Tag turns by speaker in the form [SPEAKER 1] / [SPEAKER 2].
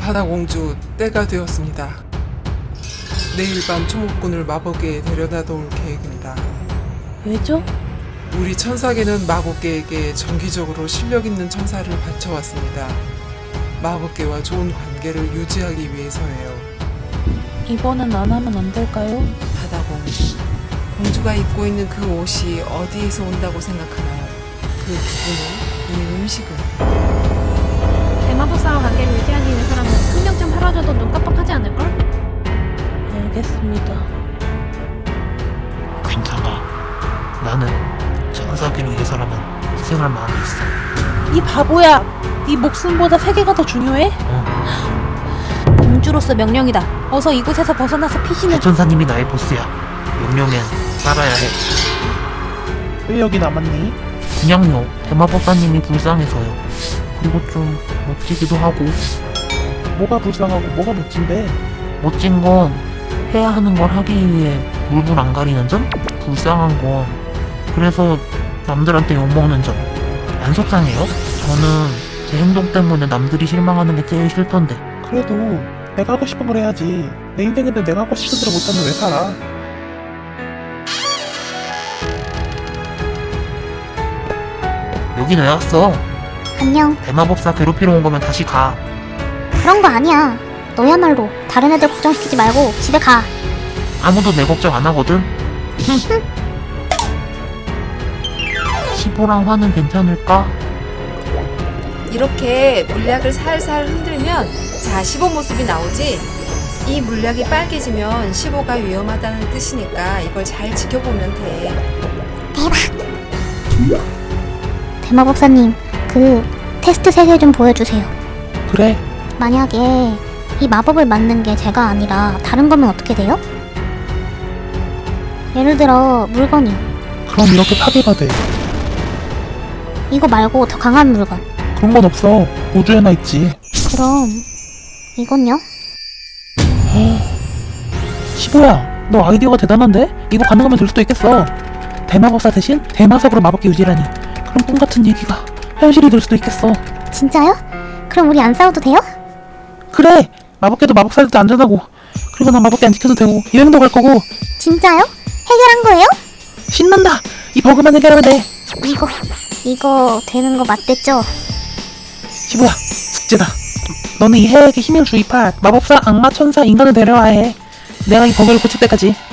[SPEAKER 1] 바다공주, 때가 되었습니다. 내일 밤 초목군을 마법계에 데려다 놓을 계획입니다.
[SPEAKER 2] 왜죠?
[SPEAKER 1] 우리 천사계는 마법계에게 정기적으로 실력 있는 천사를 바쳐왔습니다. 마법계와 좋은 관계를 유지하기 위해서예요.
[SPEAKER 2] 이번엔 안 하면 안 될까요?
[SPEAKER 3] 바다공주. 공주가 입고 있는 그 옷이 어디에서 온다고 생각하나요? 그 기분은, 이 음식은.
[SPEAKER 4] 대마법사와 관계를 유지하기 위해서라면 한 명쯤 팔아줘도 눈 깜빡하지 않을걸?
[SPEAKER 2] 알겠습니다.
[SPEAKER 5] 괜찮아. 나는 천사기를 위해서라면 희생할 마음이 있어.
[SPEAKER 2] 이 바보야! 네 목숨보다 세계가 더 중요해? 공주로서 명령이다. 어서 이곳에서 벗어나서 피신을...
[SPEAKER 5] 천사님이 나의 보스야. 명령엔 따라야 해.
[SPEAKER 6] 왜 여기 남았니?
[SPEAKER 5] 그냥요. 대마법사님이 불쌍해서요. 그리고 좀 멋지기도 하고.
[SPEAKER 6] 뭐가 불쌍하고 뭐가 멋진데?
[SPEAKER 5] 멋진 건 해야 하는 걸 하기 위해 물불 안 가리는 점? 불쌍한 건 그래서 남들한테 욕먹는 점. 안 속상해요? 저는 제 행동 때문에 남들이 실망하는 게 제일 싫던데.
[SPEAKER 6] 그래도 내가 하고 싶은 걸 해야지. 내 인생인데 내가 하고 싶은 대로 못하면 왜 살아?
[SPEAKER 5] 여긴 왜 왔어?
[SPEAKER 7] 안녕.
[SPEAKER 5] 대마법사 괴롭히러 온 거면 다시 가.
[SPEAKER 7] 그런 거 아니야. 너야말로 다른 애들 걱정시키지 말고 집에 가.
[SPEAKER 5] 아무도 내 걱정 안 하거든. 시보랑 화는 괜찮을까?
[SPEAKER 3] 이렇게 물약을 살살 흔들면 자, 15 모습이 나오지? 이 물약이 빨개지면 15가 위험하다는 뜻이니까 이걸 잘 지켜보면 돼.
[SPEAKER 7] 대마법사님, 그 테스트 3개 좀 보여주세요.
[SPEAKER 6] 그래.
[SPEAKER 7] 만약에 이 마법을 맞는 게 제가 아니라 다른 거면 어떻게 돼요? 예를 들어 물건이요.
[SPEAKER 6] 그럼 이렇게 파괴가 돼.
[SPEAKER 7] 이거 말고 더 강한 물건.
[SPEAKER 6] 그런 건 없어. 우주에나 있지.
[SPEAKER 7] 그럼 이건요?
[SPEAKER 6] 시보야, 너 아이디어가 대단한데? 이거 가능하면 될 수도 있겠어. 대마법사 대신 대마석으로 마법기 유지라니. 그런 꿈 같은 얘기가 현실이 될 수도 있겠어.
[SPEAKER 7] 진짜요? 그럼 우리 안 싸워도 돼요? 그래!
[SPEAKER 6] 마법계도 마법사들도 안전하고, 그리고 난 마법계 안 지켜도 되고 여행도 갈 거고.
[SPEAKER 7] 진짜요? 해결한 거예요?
[SPEAKER 6] 신난다! 이 버그만 해결하면 돼.
[SPEAKER 7] 이거 되는 거 맞댔죠?
[SPEAKER 6] 시보야, 숙제다. 너는 이 해에게 힘을 주입할 마법사, 악마, 천사, 인간을 데려와야 해. 내가 이 버그를 고칠 때까지.